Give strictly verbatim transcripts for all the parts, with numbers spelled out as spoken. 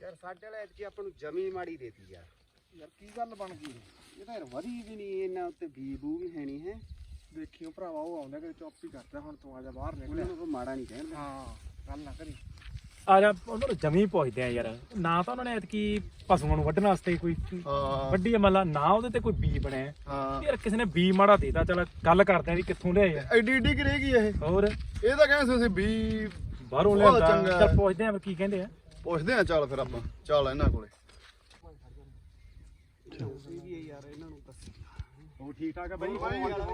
ਯਾਰ ਸਾਡੇ ਵਾਲੇ ਐਤਕੀ ਆਪਾਂ ਨੂੰ ਜਮੀ ਮਾੜੀ ਦੇਤੀ ਯਾਰ। ਯਾਰ ਕੀ ਗੱਲ ਬਣ ਗਈ ਇਹ ਤਾਂ ਯਾਰ ਵਧੀ ਵੀ ਨਹੀਂ, ਇਹਨਾਂ ਉੱਤੇ ਬੀ ਬੂ ਵੀ ਹੈ ਨਹੀਂ ਹੈ। ਦੇਖਿਓ ਭਰਾਵਾ ਉਹ ਆਉਂਦਾ ਕਿ ਚੁੱਪ ਹੀ ਕਰਦਾ ਹੁਣ ਤੂੰ ਆ ਜਾ ਬਾਹਰ ਨਿਕਲ। ਉਹਨਾਂ ਨੂੰ ਕੋਈ ਮਾੜਾ ਨਹੀਂ ਕਹਿੰਦੇ। ਹਾਂ ਗੱਲ ਨਾ ਕਰੀ। ਆ ਜਾ ਉਹਨਾਂ ਨੂੰ ਜਮੀ ਪੁੱਛਦੇ ਆ ਯਾਰ, ਨਾ ਤਾਂ ਉਹਨਾਂ ਨੇ ਐਤਕੀ ਪਸ਼ੂਆਂ ਨੂੰ ਵੱਢਣ ਵਾਸਤੇ ਕੋਈ ਵੱਡੀ ਮੱਲਾ, ਨਾ ਉਹਦੇ ਤੇ ਕੋਈ ਬੀ ਬਣਿਆ। ਹਾਂ ਯਾਰ ਕਿਸੇ ਨੇ ਬੀ ਮਾੜਾ ਦੇਤਾ, ਚਲ ਗੱਲ ਕਰਦੇ ਆ ਵੀ ਕਿੱਥੋਂ ਲਿਆਏ ਆ। ਐਡੀ ਐਡੀ ਕਰੇਗੀ ਇਹ। ਹੋਰ ਇਹ ਤਾਂ ਕਹਿੰਦੇ ਸੀ ਵੀ ਬਾਹਰੋਂ ਬਹੁਤ ਲਿਆਂਦਾ। ਚੰਗਾ। ਚੱਲ ਪੁੱਛਦੇ ਆ ਵੀ ਕੀ ਕਹਿੰਦੇ ਆ। ਪੁੱਛਦੇ ਆ ਚੱਲ ਫਿਰ ਆਪਾਂ ਚੱਲ ਇਹਨਾਂ ਕੋਲੇ। ਯਾਰ ਇਹਨਾਂ ਨੂੰ ਦੱਸ ਉਹ ਠੀਕ ਠਾਕ ਆ ਬਾਈ। ਹੋਰ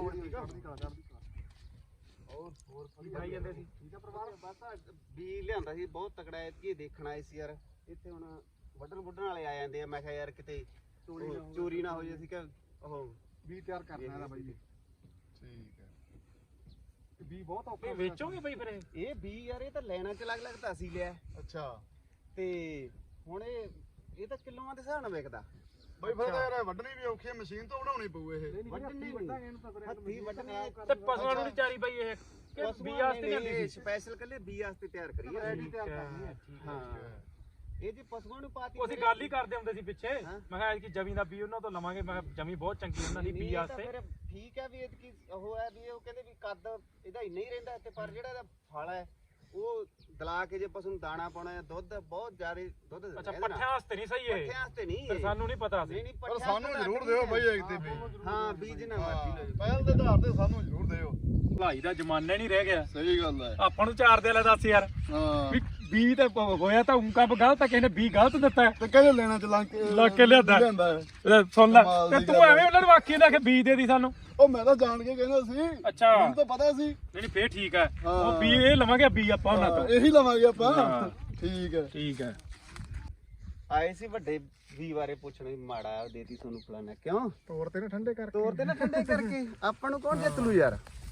ਹੋਰ ਖਾਈ ਜਾਂਦੇ ਸੀ। ਠੀਕ ਆ ਪਰਿਵਾਰ। ਬਸ ਬੀ ਲਿਆਂਦਾ ਸੀ ਬਹੁਤ ਤਕੜਾ, ਐਤਕੀ ਦੇਖਣ ਆਏ ਸੀ ਯਾਰ। ਇੱਥੇ ਹੁਣ ਵੱਢਣ ਵੱਢਣ ਵਾਲੇ ਆ ਜਾਂਦੇ ਆ। ਮੈਂ ਕਿਹਾ ਯਾਰ ਕਿਤੇ ਚੋਰੀ ਨਾ ਹੋ ਜੇ। ਅਸੀਂ ਕਿ ਉਹ ਵੀ ਤਿਆਰ ਕਰਨਾ ਇਹਦਾ ਬਾਈ। ਠੀਕ ਹੈ ਵੀ ਬਹੁਤ ਔਖਾ। ਇਹ ਵੇਚੋਗੇ ਬਾਈ ਫਿਰ ਇਹ? ਇਹ ਬੀ ਯਾਰ ਇਹ ਤਾਂ ਲੈਣਾ ਚ ਲੱਗ ਲੱਗ ਤਾਂ ਅਸੀਂ ਲਿਆ ਅੱਛਾ ਤੇ ਹੁਣ ਇਹ ਇਹ ਤਾਂ ਕਿਲੋਆਂ ਦੇ ਹਿਸਾਬ ਨਾਲ ਵਿਕਦਾ ਬਾਈ। ਫਿਰ ਤਾਂ ਯਾਰ ਵੱਢਣੀ ਵੀ ਔਖੀ ਹੈ, ਮਸ਼ੀਨ ਤੋਂ ਬਣਾਉਣੀ ਪਊ ਇਹ। ਵੱਢਣੀ ਹੱਥੀ ਵੱਢਣੀ ਤੇ ਪਸ਼ੂਆਂ ਨੂੰ ਨਹੀਂ ਚਾਰੀ ਬਾਈ ਇਹ ਕਿ ਬੀ ਵਾਸਤੇ ਲਿਆਂਦੀ ਸੀ? ਸਪੈਸ਼ਲ ਕੱਲੇ ਬੀ ਵਾਸਤੇ ਤਿਆਰ ਕਰੀ ਹੈ। ਠੀਕ ਹੈ। ਹਾਂ ਇਹ ਜੀ ਪਸ਼ੂਆਂ ਨੂੰ ਪਾਤੀ। ਉਹ ਅਸੀਂ ਗੱਲ ਹੀ ਕਰਦੇ ਹੁੰਦੇ ਸੀ ਪਿੱਛੇ। ਹਾਂ। ਮੈਂ ਕਿਹਾ ਕਿ ਜਮੀ ਦਾ ਬੀ ਉਹਨਾਂ ਤੋਂ ਲਵਾਂਗੇ। ਮੈਂ ਕਿਹਾ ਜਮੀ ਬਹੁਤ ਚੰਗੀ ਉਹਨਾਂ ਦੀ ਬੀ ਇਹ ਤਾਂ ਵਾਸਤੇ। ਫਿਰ ਠੀਕ ਹੈ ਵੀ ਇਹ ਕੀ ਉਹ ਹੈ ਵੀ ਉਹ ਕਹਿੰਦੇ ਵੀ ਕੱਦ ਇਹਦਾ ਇੰਨਾ ਹੀ ਰਹਿੰਦਾ ਤੇ ਪਰ ਜਿਹੜਾ ਇਹਦਾ ਫਲ ਹੈ ਉਹ ਦਲਾ ਕੇ ਜੇ ਪਸ਼ੂ ਨੂੰ ਦਾਣਾ ਪਾਉਣਾ ਹੈ, ਦੁੱਧ ਬਹੁਤ ਜ਼ਿਆਦਾ ਦੁੱਧ ਦਿੰਦਾ। ਅੱਛਾ ਪੱਠਿਆਂ ਵਾਸਤੇ ਨਹੀਂ ਸਹੀ ਇਹ? ਪੱਠਿਆਂ ਵਾਸਤੇ ਨਹੀਂ ਫਿਰ ਸਾਨੂੰ ਨਹੀਂ ਪਤਾ ਸੀ। ਨਹੀਂ ਨਹੀਂ ਪਰ ਪੱਠਿਆਂ ਸਾਨੂੰ ਜ਼ਰੂਰ ਦਿਓ ਬਾਈ ਇੱਕ ਤੇ ਵੀ। ਹਾਂ ਬੀਜ ਨਾ ਮਰਜ਼ੀ ਲਓ। ਪਹਿਲ ਦੇ ਆਧਾਰ ਤੇ ਸਾਨੂੰ ਜ਼ਰੂਰ ਦਿਓ। ਭਲਾਈ ਦਾ ਜ਼ਮਾਨਾ ਹੀ ਨਹੀਂ ਰਹਿ ਗਿਆ। ਸਹੀ ਗੱਲ ਹੈ। ਆਪਾਂ ਨੂੰ ਚਾਰ ਦੇ ਲੈ ਦੱਸ ਯਾਰ ਹਾਂ ਵੀ ਬੀ ਤੇ ਹੋਇਆ ਤਾਂ ਉਂਕਾ ਗਲਤ ਆ, ਕਿਸੇ ਨੇ ਬੀ ਗਲਤ ਦਿੱਤਾ ਤੇ ਕਹਿੰਦੇ ਲੈਣਾ ਚ ਲੰਗ ਲੱਗ ਕੇ ਲਿਆਂਦਾ। ਲਿਆਂਦਾ ਹੈ। ਇਹ ਸੁਣ ਲੈ ਕਮਾਲ ਤੇ ਦੀ ਤੂੰ ਗੱਲ ਐਵੇਂ ਉਹਨਾਂ ਨੂੰ ਆਖੀ ਨਾ ਕਿ ਬੀ ਦੇ ਦੀ ਸਾਨੂੰ। ਉਹ ਮੈਂ ਤਾਂ ਜਾਣ ਕੇ ਕਹਿੰਦਾ ਸੀ। ਅੱਛਾ ਮੈਨੂੰ ਤਾਂ ਪਤਾ ਸੀ। ਨਹੀਂ ਨਹੀਂ ਫੇਰ ਠੀਕ ਹੈ। ਹਾਂ। ਉਹ ਬੀ ਇਹ ਲਵਾਂਗੇ ਬੀ ਆਪਾਂ ਉਹਨਾਂ ਹਾਂ, ਤੋਂ। ਇਹੀ ਲਵਾਂਗੇ ਆਪਾਂ। ਹਾਂ। ਠੀਕ ਹੈ ਠੀਕ ਹੈ। ਆਏ ਸੀ ਵੱਡੇ ਵੀ ਬਾਰੇ ਪੁੱਛਣ ਵੀ ਮਾੜਾ ਦੇਤੀ ਤੁਹਾਨੂੰ ਫਲਾਣਾ ਕਿਉਂ ਤੋੜ ਤੇ ਨਾ ਠੰਡੇ ਕਰਕੇ। ਤੋਰ ਤੇ ਨਾ ਠੰਡੇ ਕਰਕੇ ਆਪਾਂ ਨੂੰ ਕੌਣ ਜਿੱਤ ਲੂ ਯਾਰ।